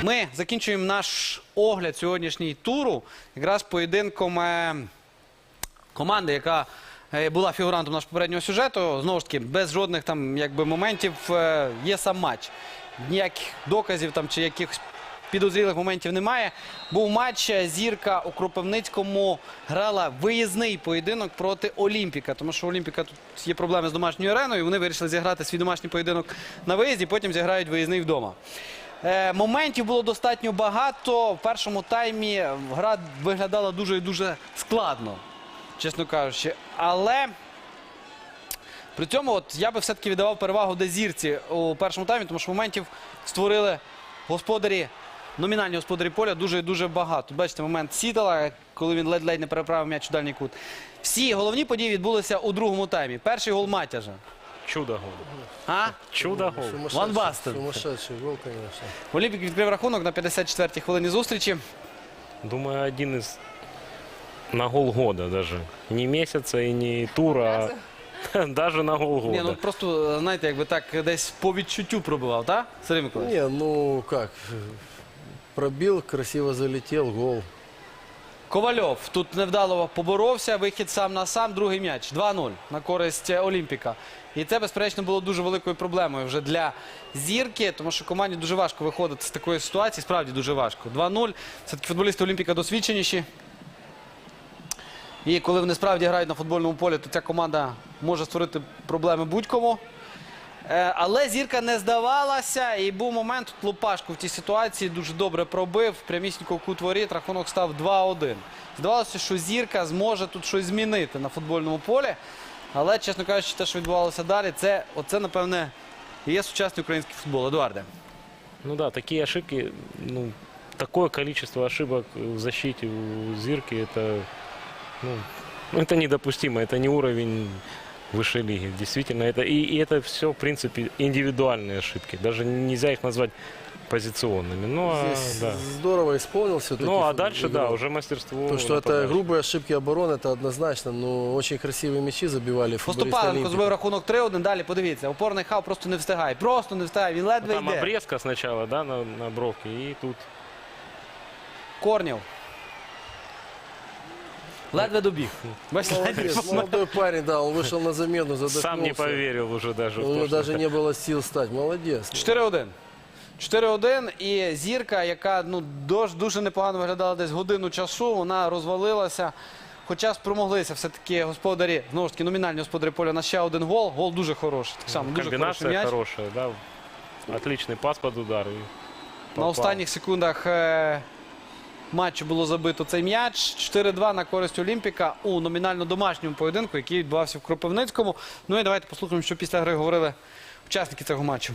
Ми закінчуємо наш огляд сьогоднішній туру якраз поєдинком команди, яка була фігурантом нашого попереднього сюжету. Знову ж таки, без жодних там моментів є сам матч. Ніяких доказів там чи якихось підозрілих моментів немає. Був матч, Зірка у Кропивницькому грала виїзний поєдинок проти Олімпіка. Тому що у Олімпіка тут є проблеми з домашньою ареною. Вони вирішили зіграти свій домашній поєдинок на виїзді, потім зіграють виїзний вдома. Моментів було достатньо багато. В першому таймі гра виглядала дуже і дуже складно, чесно кажучи. Але при цьому я би все-таки віддавав перевагу Зірці у першому таймі, тому що моментів створили господарі, номінальні господарі поля дуже і дуже багато. Бачите, момент Сідала, коли він ледь-ледь не переправив м'яч у дальній кут. Всі головні події відбулися у другому таймі. Перший гол Матяжа. Чудо-гол. А? Чудо-гол. Ван Бастен. Сумасшедший гол, конечно. Олімпік відкрив рахунок на 54-й хвилині зустрічі. Думаю, один из на гол года даже. Не месяца и не тура, а даже на гол года. Ні, ну просто, знаєте, якби так десь по відчуттю пробивав, так? Сергій Миколаївич? Не, ну как, пробил, красиво залетел, гол. Ковальов тут невдало поборовся, вихід сам на сам, другий м'яч. 2-0 на користь Олімпіка. І це, безперечно, було дуже великою проблемою вже для Зірки, тому що команді дуже важко виходити з такої ситуації, справді дуже важко. 2-0. Все-таки футболісти Олімпіка досвідченіші. І коли вони справді грають на футбольному полі, то ця команда може створити проблеми будь-кому. Але Зірка не здавалася, і був момент, тут Лупашко в тій ситуації дуже добре пробив, прямісінько в кут воріт, рахунок став 2-1. Здавалося, що Зірка зможе тут щось змінити на футбольному полі, але, чесно кажучи, те, що відбувалося далі, оце, напевне, і є сучасний український футбол. Едуарде. Ну да, такие ошибки, ну, такое количество ошибок в защите у Зирки, это, ну, это недопустимо, это не уровень высшей лиги. Действительно, и это все, в принципе, индивидуальные ошибки. Даже нельзя их назвать позиционными. Ну, Здесь да. здорово исполнил все-таки. Ну, а дальше, да, уже мастерство. То, что это нападающих. грубые ошибки обороны, это однозначно. Но очень красивые мячи забивали футболисты Поступаленко зробив Олимпика. рахунок 3-1, далі подивіться, опорний хав просто не встигає, він ледве Там йде. обрезка сначала, да, на бровке, и тут Корнів. Ледве добіг. Бачите, Молодец, молодой парень, да, он вышел на замену, задохнулся. сам не поверил уже даже. У в него то, что даже не было сил встать. Молодец. 4-1. 4-1, і Зірка, яка дуже непогано виглядала десь годину часу, вона розвалилася. Хоча спромоглися все-таки господарі, знову ж таки, номінальні господарі поля на ще один гол. Гол дуже хороший. Так само, дуже хороший комбинация м'яч. хорошая, да. Отличный пас под удар. И На попал. останніх секундах матчу було забито цей м'яч. 4-2 на користь Олімпіка у номінально домашньому поєдинку, який відбувався в Кропивницькому. Ну і давайте послухаємо, що після гри говорили учасники цього матчу.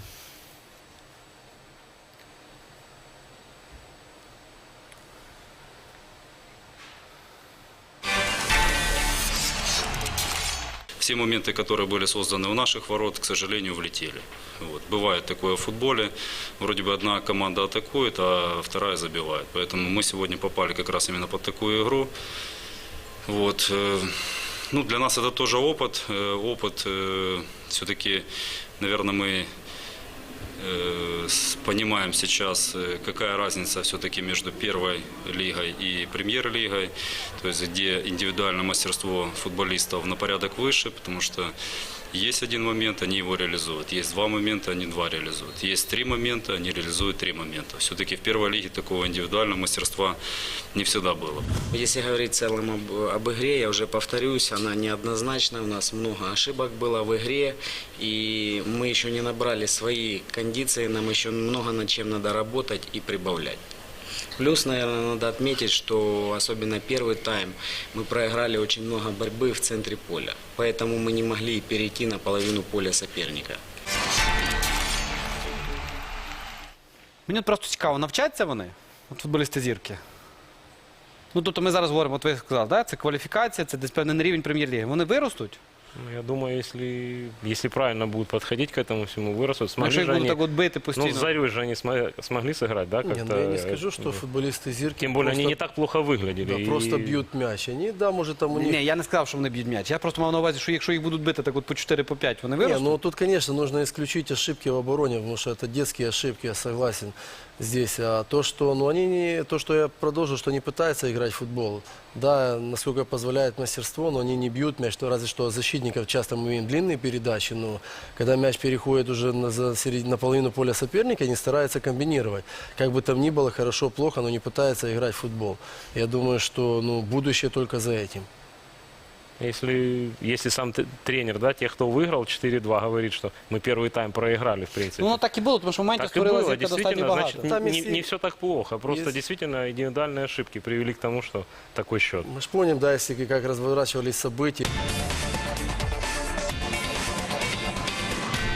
Все моменты, которые были созданы у наших ворот, к сожалению, влетели. Вот. Бывает такое в футболе. Вроде бы одна команда атакует, а вторая забивает. Поэтому мы сегодня попали как раз именно под такую игру. Вот. Ну, для нас это тоже опыт. Опыт все-таки, наверное, мы понимаем сейчас, какая разница все-таки между первой лигой и премьер-лигой, то есть где индивидуальное мастерство футболистов на порядок выше, потому что есть один момент, они его реализуют, есть два момента, они два реализуют, есть три момента, они реализуют три момента. Все-таки в первой лиге такого индивидуального мастерства не всегда было. Если говорить в целом об игре, я уже повторюсь, она неоднозначна, у нас много ошибок было в игре, и мы еще не набрали свои кондиции, нам еще много над чем надо работать и прибавлять. Плюс, наверное, надо отметить, что особенно первый тайм мы проиграли очень много борьбы в центре поля, поэтому мы не могли перейти на половину поля соперника. Мені просто цікаво, навчаться вони, футболісти Зірки? Ну, тобто ми зараз говоримо, от ви сказали, да? Це кваліфікація, це десь певний рівень прем'єр-ліги. Вони виростуть? Ну, я думаю, если правильно будут подходить к этому всему, вырастут. Ну, Смогли якщо їх же будуть они, так от бити ну, постійно. с Зарей же они смогли сыграть, да, Не, как-то? ну я не скажу, что футболисты Зирки Тем более они просто, не так плохо выглядели. да, и- просто бьют мяч. Они, да, может там у них... Ні, я не сказав, що вони б'ють м'яч. Я просто мав на увазі, що якщо їх будуть бити так от по 4, по 5, вони Не, виростуть. ну тут, конечно, нужно исключить ошибки в обороне, потому что это детские ошибки, я согласен здесь. А то, что, ну, они не, то, что я продолжу, что они пытаются играть в футбол, да, насколько позволяет мастерство, но они не бьют мяч, ну, разве что защитников часто мы видим длинные передачи, но когда мяч переходит уже на половину поля соперника, они стараются комбинировать. Как бы там ни было, хорошо, плохо, но не пытаются играть в футбол. Я думаю, что, ну, будущее только за этим. Если сам тренер, да, тех, кто выиграл 4-2, говорит, что мы первый тайм проиграли, в принципе. Ну, воно так і було, тому що моментів Так и створилася было, зірка достатньо действительно, багато. значит, Там не, если- не все так плохо. Просто Если- действительно индивидуальные ошибки привели к тому, что такой счет. Мы же помним, да, если как разворачивались события.